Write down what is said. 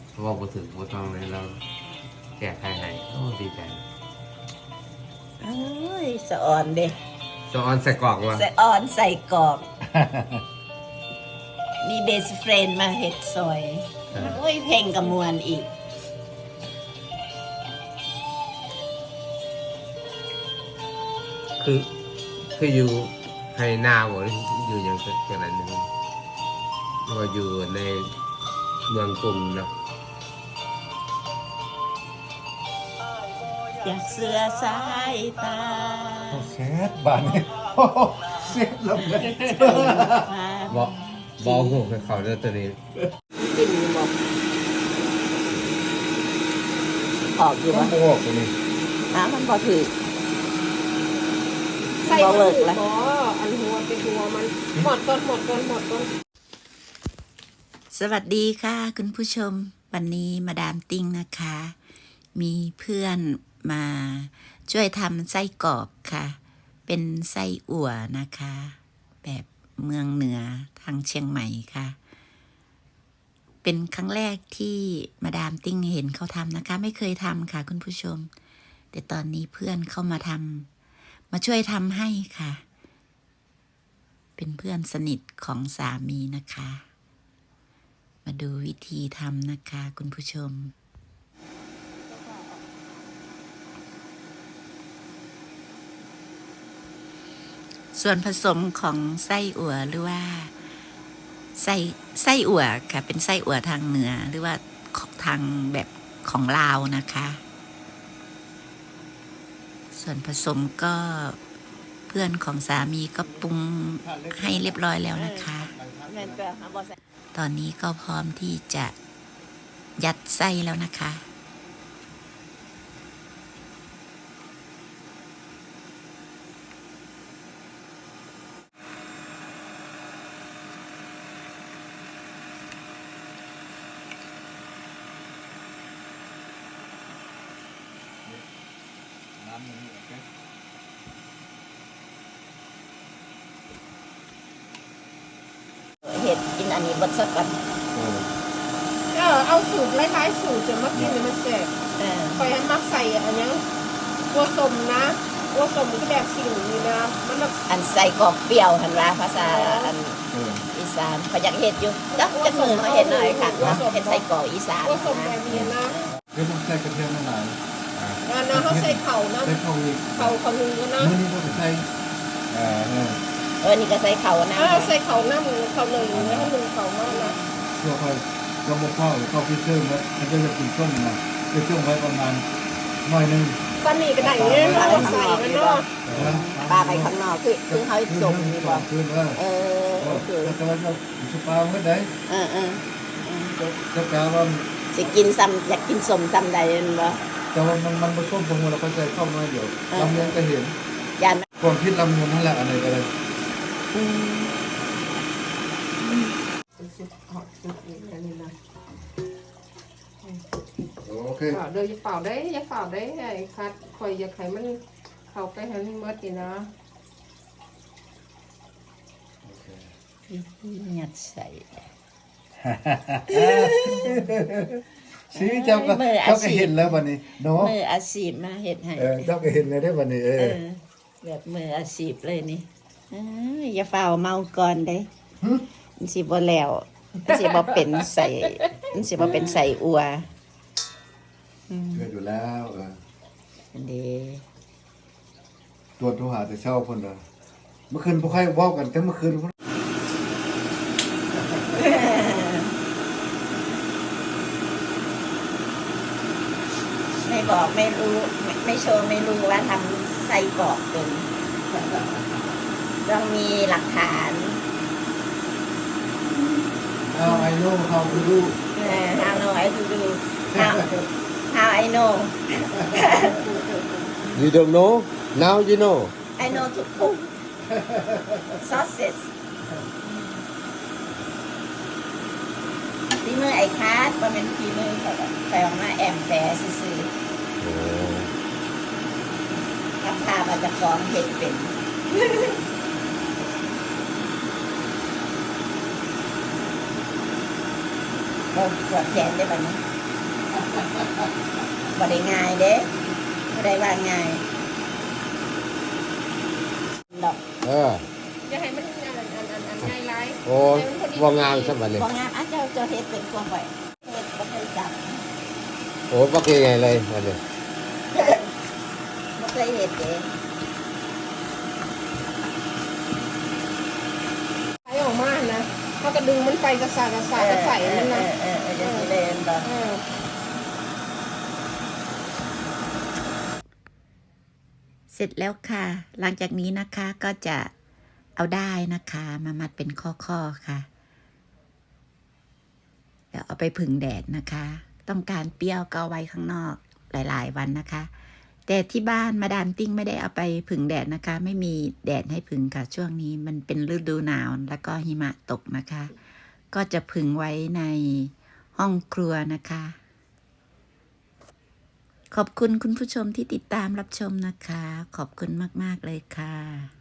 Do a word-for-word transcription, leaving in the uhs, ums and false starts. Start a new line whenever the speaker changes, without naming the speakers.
ว่าบ่ถึงบ่ต้องเลยเราแก้ไขให้โอ้ดีใจ
เอ้ยสะอ่อนเด้
สะออนใส่กรอกวะ
สะอ่อนใส่กรอกมีเบสเฟรนมาเฮ็ดซอยโอ้ยเพลงกระมวลอีก
คือคืออยู่ให้หน้าบ่อยู่อย่างจังนั้นนึงว่าอยู่ในเมืองกรุงเนาะ
อยากเสือสายตา
เซฟบ้านนี้เซฟลงเลย
บ่บ่ฮู้ให้เขาเด้อตัวนี้
กินบ่ออกอยู่บ่
บ่ออกตัวนี้
อ้ามันบ่ถือ
ใส่บ่เลิกแล้วอันหัวเป็นหัวมันหมดก่อนหมดก่อนหมดก่อน
สวัสดีค่ะคุณผู้ชมวันนี้มาดามติ้งนะคะ มีเพื่อนมาช่วยทำไส้กรอกค่ะ เป็นไส้อั่วนะคะ แบบเมืองเหนือทางเชียงใหม่ค่ะ เป็นครั้งแรกที่มาดามติ้งเห็นเขาทำนะคะ ไม่เคยทำค่ะคุณผู้ชมแต่ตอนนี้เพื่อนเข้ามาทำมาช่วยทำให้ค่ะ เป็นเพื่อนสนิทของสามีนะคะมาดูวิธีทำนะคะคุณผู้ชมส่วนผสมของไส้อั่วหรือว่าไส้ไส้อั่วค่ะเป็นไส้อั่วทางเหนือหรือว่าทางแบบของลาวนะคะส่วนผสมก็เพื่อนของสามีก็ปรุงให้เรียบร้อยแล้วนะคะตอนนี้ก็พร้อมที่จะยัดไส้แล้วนะคะเห็ดกินอันนี้บดสักกัน
เออเอาสูตรหลายๆสูตรจะมากินเลยมันแซ่บคอยให้มักใส่อันนี้ตัวสมนะตัวสมก็แบบสิ่งนี้นะมันแบบ
อันใส่กรอกเปรี้ยวหันว่าภาษาอันอีสานเขาอยากเห็ดอยู่จักจักมือมาเห็ดหน่อยค่ะเห็ดใส่กรอกอีสาน
ตัวสมแบบนี้นะ
เดี๋ยวต้องใส่กระเทียมหน่อย
อ่านะเขาใส่เข่านะ
ใส่เข่าอีก
เข่าเขาหนึ่งนะ
นี่นี่ต้องใส่อ่าเออ
เออนี่ก็ใส่เข่านะ
เออใส่เข่าหน้ามือเข่าหนึ่งนะหนึ่งเข่ามากนะ
เพื่อค่อยก็บอกพ่อหรือเข้าพิเศษแล้วมันก็จะกินส้มนะจะส้มไว้ประมาณหน่อยนึง
ตอนนี้ก็ได้เนี่ยเราใส่กันเนาะ
ปลาไปข้างนอกคือคือเขาส่งดีกว่าเออโอเค
แต่ว่าเราสปาเมื่อใด
เออเออ
จะกล่าวว่า
จะกินซ้ำอยากกินสมซ้ำใดเห็นบ่
แต่ว่ามันมันผสมตรงเราเข้าใจเข้าน้อยเดียวลำเลียงก็เห็น
ยัน
ความคิดลำมูลนั่นแหละอะไรก็เลยโอเค
เดี๋ยวจะเป่าได้จะเป่าได้ไอ้คัดคอยอยากให้มันเข้าไปให้มันเมื่อกี้นะ
ยัดใส่
สีเจ้าก็เจ้าก็เห็นแล้ววันนี้เนาะ
มืออาชีพมาเห็ดให้
เออเจ้าก็เห็นเลยได้วันนี้เออ
แบบมืออาชีพเลยนี่อย่าเฝ้าเมาก่อนเด้มันสิบ่แล้วมันสิบ่เป็นใส่มันสิบ่เป็นใส่อัว
เกิดอยู่แล้วเออ
อันดี
ตัวตัวหาแต่เช้าคนละเมื่อคืนพวกใครว่ากันแต่เมื่อคืน
ไม่บอกไม่รู้ไม่โชว์ไม่รู้ว่าทำไส้กรอกเป็นต้องมีหลักฐาน
How I know how to do
How know I to do How How I know
You don't know now you know
I know to cook sausage ที่มือไอ้คาดว่าเป็นที่มือเขาไปออกมาแอมแฝซื้อกับพามาจะฟ้องเห็ดเป็นเราปวดแขนได้ไหมบ่ได้ง่ายเด้บ่ได้ว่าง่ายดอก
เออ
อย่าให้มันอันอันอันอันง่ายไร
โอ้ว่างามซะบัดนี้
บ่งามอ่ะเจ้าเจ้าเฮ็ดเป็นความไว้เฮ็ดบ่เคยจับ
โอ้บ่คือไงเลยบัดนี้
บ่เคยเฮ็ดเด้
ใช้ออกมานะเขาก็ดึงมันไปกระสากระสากกระใส่มันนะ
เออเออเออจะสิเล่นบ่
เออ
เสร็จแล้วค่ะ หลังจากนี้นะคะก็จะเอาได้นะคะมามัดเป็นข้อๆค่ะเดี๋ยวเอาไปผึ่งแดดนะคะ ต้องการเปรี้ยวก็เอาไว้ข้างนอกหลายๆวันนะคะ แต่ที่บ้านมาดามติ้งไม่ได้เอาไปผึ่งแดดนะคะ ไม่มีแดดให้ผึ่งค่ะ ช่วงนี้มันเป็นฤดูหนาวแล้วก็หิมะตกนะคะ ก็จะผึ่งไว้ในห้องครัวนะคะ ขอบคุณคุณผู้ชมที่ติดตามรับชมนะคะ ขอบคุณมากๆเลยค่ะ